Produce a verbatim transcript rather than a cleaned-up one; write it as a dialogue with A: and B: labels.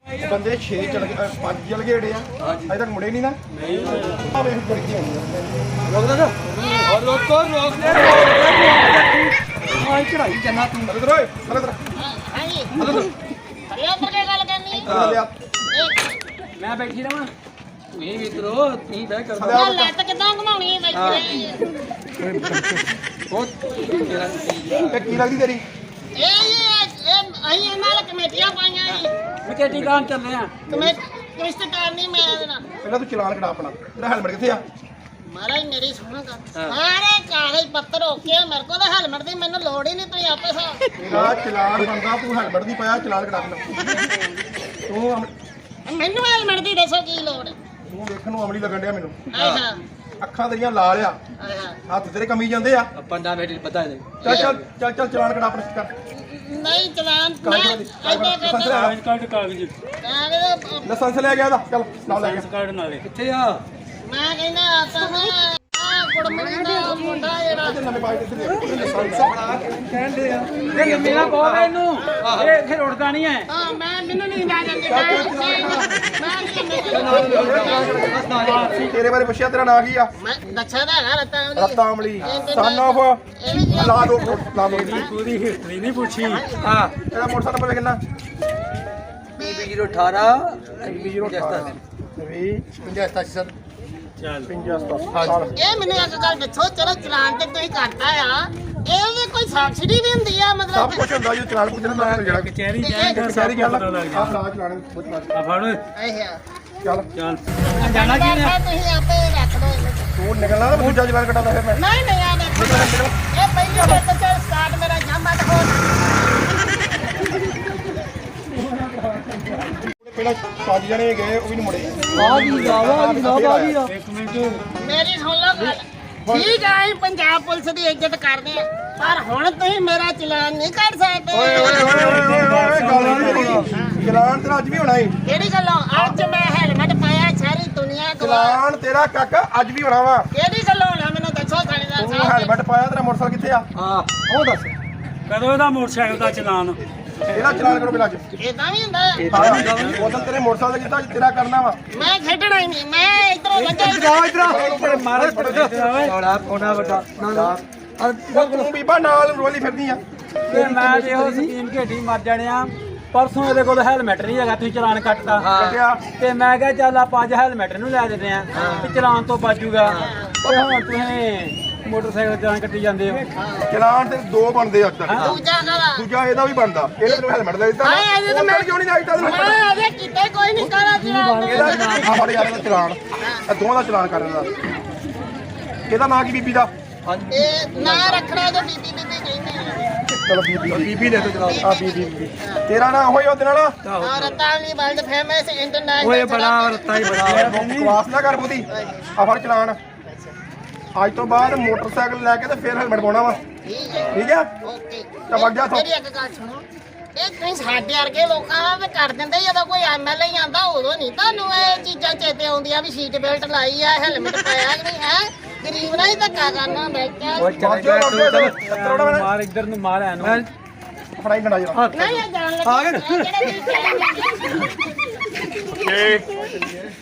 A: ਬੰਦੇ ਛੇ ਚਲ ਗਏ ਪੰਜ ਚਲ ਗਏ ਏੜੇ ਆ ਅਜੇ ਤੱਕ ਮੁੜੇ ਨਹੀਂ ਨਾ ਨਹੀਂ ਆ ਵੇਖ ਗੜਕੀ ਰੁਕ ਜਾ ਔਰ ਰੋਕੋ ਰੋਕ ਦੇ ਆਈ ਚੜਾਈ ਜੰਨਾ ਤੂੰ ਇਧਰ ਓਏ ਇਧਰ
B: ਹਾਂਜੀ ਹਰਿਆ ਕਰਕੇ ਗੱਲ ਕਰਨੀ ਮੈਂ ਬੈਠੀ ਰਵਾਂ ਤੂੰ ਹੀ ਮਿੱਤਰੋ ਤੂੰ ਬਹਿ ਕਰ ਲੈ ਤਾਂ ਕਿਦਾਂ ਘਮਾਉਣੀ ਹੈ ਬੈਠੀ
A: ਬਹੁਤ ਇਹ ਕੀ ਲੱਗਦੀ ਤੇਰੀ
B: ਇਹ ਇਹ ਅਸੀਂ ਨਾਲ ਕਮੇਟੀਆਂ ਪਾਈਆਂ ਜੀ
C: ਕਮੇਟੀ ਕਾਂ ਚੱਲੇ ਆ
B: ਕਮੇਟੀ ਕਿਸ਼ਤ ਕਰਨੀ ਮੈਂ ਇਹਦੇ ਨਾਲ
A: ਪਹਿਲਾਂ ਤੂੰ ਚਲਾਨ ਕਢਾ ਆਪਣਾ ਤੇਰਾ ਹੈਲਮਟ ਕਿੱਥੇ ਆ
B: ਮਹਾਰਾਜ ਮੇਰੀ ਸੁਣੋ ਗੱਲ ਸਾਰੇ ਕਾਗਜ਼ ਪੱਤਰ ਓਕੇ ਮੇਰੇ ਕੋਲ ਤਾਂ ਹੈਲਮਟ ਦੀ ਮੈਨੂੰ ਲੋੜ ਹੀ ਨਹੀਂ ਤੁਸੀਂ ਆਪੇ ਸਾਹ
A: ਤੇਰਾ ਚਲਾਨ ਬੰਦਾ ਤੂੰ ਹੈਲਮਟ ਨਹੀਂ ਪਾਇਆ ਚਲਾਨ ਕਢਾ ਆਪਣਾ ਤੂੰ
B: ਮੈਨੂੰ ਹੈਲਮਟ ਦੀ ਦੱਸੋ ਕੀ ਲੋੜ ਹੈ
A: ਤੂੰ ਵੇਖਣ ਨੂੰ ਅਮਲੀ ਲੱਗਣ ਡਿਆ ਮੈਨੂੰ
B: ਆਹਾ
A: ਅੱਖਾਂ ਤੇਰੀਆਂ ਲਾਲ ਆ
B: ਆਹਾ
A: ਹੱਥ ਤੇਰੇ ਕਮੀ ਜਾਂਦੇ ਆ
C: ਪੰਡਾ ਮੇਰੀ ਪਤਾ ਨਹੀਂ
A: ਚੱਲ ਚੱਲ ਚੱਲ ਚੱਲ ਚਲਾਨ ਕਢਾ ਆਪਣਾ ਕਰ
B: ਨਹੀਂ ਚਲਾਨ
A: ਲਾਇਸੈਂਸ
C: ਕਾਗਜ਼ ਕਾਗਜ਼
A: ਲਾਇਸੈਂਸ ਲੈ ਗਿਆ ਇਹਦਾ ਚੱਲ ਨਾਲ ਲੈ ਗਿਆ
C: ਕਾਰਡ ਨਾਲੇ ਕਿੱਥੇ ਆ
B: ਮੈਂ ਕਹਿੰਦਾ ਆਤਾ ਨਾ ਆ ਕੁੜਮਣੀ ਦਾ ਮੁੰਡਾ ਜਿਹੜਾ
A: ਨਵੇਂ ਬਾਈਕ ਇੱਥੇ ਲਾਇਸੈਂਸ
C: ਕਹਿੰਦੇ ਆ ਇਹ ਮੇਰਾ ਬਹੁਤ ਹੈ ਇਹਨੂੰ ਇਹ ਇੱਥੇ ਰੁੜਦਾ ਨਹੀਂ ਹੈ
B: ਹਾਂ ਮੈਂ ਮੈਨੂੰ ਨਹੀਂ ਆ ਜਾਂਦੀ ਮੈਂ
A: ਤੇਰੇ ਬਾਰੇ ਪੁੱਛਿਆ ਤੇਰਾ ਨਾਂ ਕੀ ਆ
B: ਮੈਂ ਦੱਸਿਆ ਤਾਂ ਹੈਗਾ ਰੱਤਾ
A: ਰੱਤਾ ਅਮਲੀ ਸਨ ਆਫ ਲਾ ਦੋ ਲਾ ਦੋ
C: ਪੂਰੀ ਹਿਸਟਰੀ ਨਹੀਂ ਪੁੱਛੀ ਹਾਂ
A: ਇਹਦਾ ਮੋਟਰਸਾਈਕਲ ਨੰਬਰ ਕਿੰਨਾ
C: ਬੀਬੀ ਜ਼ੀਰੋ ਅਠਾਰਾਂ ਬੀਬੀ ਜ਼ੀਰੋ ਸਤਾਸੀ
A: ਵੀਹ ਪੰਜਾਹ ਸਤਾਸੀ ਸਰ
C: ਚੱਲ
A: ਪੰਜਾਹ ਸਤਾਸੀ
B: ਇਹ ਮੈਨੂੰ ਇੱਕ ਗੱਲ ਦੱਸੋ ਚਲੋ ਚਲਾਨ ਤੇ ਤੁਸੀਂ ਕਰਤਾ ਆ ਇਹਦੀ ਕੋਈ ਸਬਸਿਡੀ ਵੀ ਹੁੰਦੀ ਆ
A: ਸਭ
B: ਮਤਲਬ
A: ਕੁਝ ਹੁੰਦਾ ਜੀ ਚਲਾਨ ਪੁੱਛਣਾ ਤਾਂ ਜਿਹੜਾ
C: ਕਚਹਿਰੀ
B: ਜਾਏਗਾ
A: ਸਾਰੀ ਗੱਲ ਆ ਲਾ ਚਲਾਨ ਪੁੱਛ ਲਾ
C: ਆ ਫੜ
B: ਅੱਛਾ
A: ਚੱਲ
C: ਚੱਲ
B: ਜਾਣਾ ਕੀ ਨੇ ਤੁਸੀਂ ਆਪੇ ਰੱਖ ਲਓ ਇਹਨੂੰ
A: ਤੂੰ ਨਿਕਲਣਾ ਤਾਂ ਦੂਜਾ ਚਲਾਨ ਕਟਾਦਾ ਫਿਰ ਮੈਂ
B: ਨਹੀਂ ਨਹੀਂ ਆ ਦੇਖੋ ਇਹ ਪਹਿਲੀ ਵਾਰ ਤਾਂ ਚੱਲ ਸਟਾਰਟ ਮੇਰਾ ਜਾਮਾ ਤਾਂ ਹੋ
A: ਪਹਿਲਾਂ ਪੰਜ ਜਣੇ ਗਏ ਉਹ ਵੀ ਨਹੀਂ ਮੁੜੇ
C: ਆ ਗਈ ਆਵਾ ਆ ਗਈ ਆ ਗਈ ਇੱਕ ਮਿੰਟ
B: ਮੇਰੀ ਸੁਣ ਲਓ ਗੱਲ ਠੀਕ ਆ ਅਸੀਂ ਪੰਜਾਬ ਪੁਲਿਸ ਦੀ ਇੱਜ਼ਤ ਕਰਦੇ ਆ ਪਰ ਹੁਣ ਤੁਸੀਂ ਮੇਰਾ ਚਲਾਨ ਨਹੀਂ ਕੱਢ ਸਕਦੇ
A: ਓਏ ਓਏ ਓਏ ਓਏ ਗੱਲ ਨਹੀਂ ਚਲਾਨ ਤੇਰਾ ਅੱਜ ਵੀ ਹੋਣਾ ਏ
B: ਕਿਹੜੀ ਗੱਲੋਂ ਅੱਜ ਮੈਂ ਹੈਲਮਟ ਪਾਇਆ ਸਾਰੀ ਦੁਨੀਆ ਕੋਲ
A: ਚਲਾਨ ਤੇਰਾ ਕਾਕਾ ਅੱਜ ਵੀ ਹੋਣਾ ਵਾ
B: ਕਿਹੜੀ ਗੱਲੋਂ ਹੋਣਾ ਮੈਨੂੰ ਦੱਸੋ ਥਾਣੇਦਾਰ
A: ਤੂੰ
B: ਸਾਹਿਬ
A: ਹੈਲਮਟ ਪਾਇਆ ਤੇਰਾ ਮੋਟਰਸਾਈਕਲ ਕਿੱਥੇ ਆ
C: ਹਾਂ
A: ਉਹ ਦੱਸ
C: ਕਦੋਂ ਇਹਦਾ ਮੋਟਰਸਾਈਕਲ ਦਾ ਚਲਾਨ
A: ਇਹਦਾ ਚਲਾਨ ਕਰੋ ਪਹਿਲਾਂ ਅੱਜ
B: ਇਦਾਂ ਵੀ ਹੁੰਦਾ
A: ਹਾਂ ਉਦੋਂ ਤੇਰੇ ਮੋਟਰਸਾਈਕਲ ਦਾ ਕੀਤਾ ਅੱਜ ਤੇਰਾ ਕਰਨਾ ਵਾ
B: ਮੈਂ ਖੇਡਣਾ ਹੀ ਨਹੀਂ ਮੈਂ ਇਧਰੋਂ ਲੱਗਾ
A: ਇਧਰ ਮਾਰੇ
C: ਬੜਾ ਕੋਨਾ ਵੱਡਾ
A: ਤੂੰ ਬੀਬਾ ਨਾਲ ਰੋਲੀ ਫਿਰਦੀ ਆ
C: ਤੇ ਮੈਂ ਤੇ ਉਹ ਸਕੀਮ ਘੇਟੀ ਮਰ ਜਾਣਿਆ ਪਰਸੋਂ ਇਹਦੇ ਕੋਲ ਹੈਲਮਟ ਨਹੀਂ ਹੈਗਾ ਤੁਸੀਂ ਚਲਾਨ ਕੱਟਦਾ
A: ਕੱਟਿਆ
C: ਤੇ ਮੈਂ ਕਿਹਾ ਚੱਲ ਆਪਾਂ ਅੱਜ ਹੈਲਮਟ ਨੂੰ ਲੈ ਦਿੰਦੇ ਆ ਤੇ ਚਲਾਨ ਤੋਂ ਬਚੂਗਾ ਤੇ ਹੁਣ ਤੁਸੀਂ ਮੋਟਰਸਾਈਕਲ ਚਲਾਨ ਕੱਟੀ ਜਾਂਦੇ ਹੋ
A: ਚਲਾਨ ਤੇ ਦੋ ਬਣਦੇ ਅੱਜ ਤੱਕ
B: ਦੂਜਾ ਗਾਲਾ
A: ਦੂਜਾ ਇਹਦਾ ਵੀ ਬਣਦਾ ਇਹਨੇ ਤੈਨੂੰ ਹੈਲਮਟ ਲੈ ਦਿੱਤਾ
B: ਹਾਂ ਇਹਦੇ ਤਾਂ ਮੈਂ
A: ਕਿਉਂ ਨਹੀਂ ਲਾਈਟਾਂ
B: ਮੈਂ ਅਜੇ ਕਿਤੇ ਕੋਈ ਨਹੀਂ ਕਾਲਾ ਚਲਾਨ
A: ਇਹਦਾ ਆ ਫੜ ਯਾਰ ਇਹਦਾ ਚਲਾਨ ਇਹ ਦੋਵਾਂ ਦਾ ਚਲਾਨ ਕਰਨ ਦਾ ਇਹਦਾ ਨਾਂ ਕੀ ਬੀਬੀ ਦਾ
B: ਇਹ ਨਾ ਰੱਖਣਾ ਜੋ ਬੀਬੀ ਬੀਬੀ ਕਹਿੰਦੇ ਆ
A: ਚਲੋ ਬੀਬੀ ਬੀਬੀ ਲੈ ਤੋ ਚਲਾ ਆ ਬੀਬੀ ਬੀਬੀ ਤੇਰਾ ਨਾਂ ਹੋਈ ਉਹਦੇ ਨਾਲ
B: ਔਰ ਤਾਲੀ ਵਰਲਡ ਫੇਮਸ ਇੰਟਰਨੈਸ਼ਨਲ
C: ਓਏ ਬੜਾ ਰੱਤਾ ਹੀ ਬੜਾ
A: ਬਕਵਾਸ ਨਾ ਕਰ ਬੋਦੀ ਆ ਫੜ ਚਲਾਨ ਅੱਜ ਤੋਂ ਬਾਅਦ ਮੋਟਰਸਾਈਕਲ ਲੈ ਕੇ ਤੇ ਫਿਰ ਹੈਲਮਟ ਪਾਉਣਾ ਵਾ
B: ਠੀਕ ਹੈ
A: ਠੀਕ ਹੈ
B: ਓਕੇ
A: ਤਾਂ ਵਗ ਜਾ ਇੱਥੋਂ।
B: ਮੇਰੀ ਇੱਕ ਗੱਲ ਸੁਣੋ ਇਹ ਤੁਸੀਂ ਸਾਡੇ ਵਰਗੇ ਲੋਕਾਂ ਦਾ ਤੇ ਕਰ ਦਿੰਦੇ ਜਦੋਂ ਕੋਈ ਐਮਐਲਏ ਆਂਦਾ ਉਦੋਂ ਨਹੀਂ ਤੁਹਾਨੂੰ ਇਹ ਚੀਜ਼ਾਂ ਚੇਤੇ ਆਉਂਦੀਆਂ ਵੀ ਸੀਟ ਬੈਲਟ ਲਾਈ ਆ ਹੈਲਮਟ ਪਾਇਆ ਕਿ ਨਹੀਂ ਹੈ ਗਰੀਬ ਨਾਲ ਹੀ ਧੱਕਾ ਕਰਨਾ ਹੁੰਦਾ ਕਿਆ
C: ਓਏ ਚੱਲ ਜਾ ਤੂੰ ਮਾਰ ਇੱਧਰ ਨੂੰ ਮਾਰ ਇਹਨੂੰ
A: ਫੜਾਈ ਗੰਡਾ ਜਰਾ
B: ਨਹੀਂ ਇਹ ਜਾਣ ਲੱਗਾ ਆ ਗਏ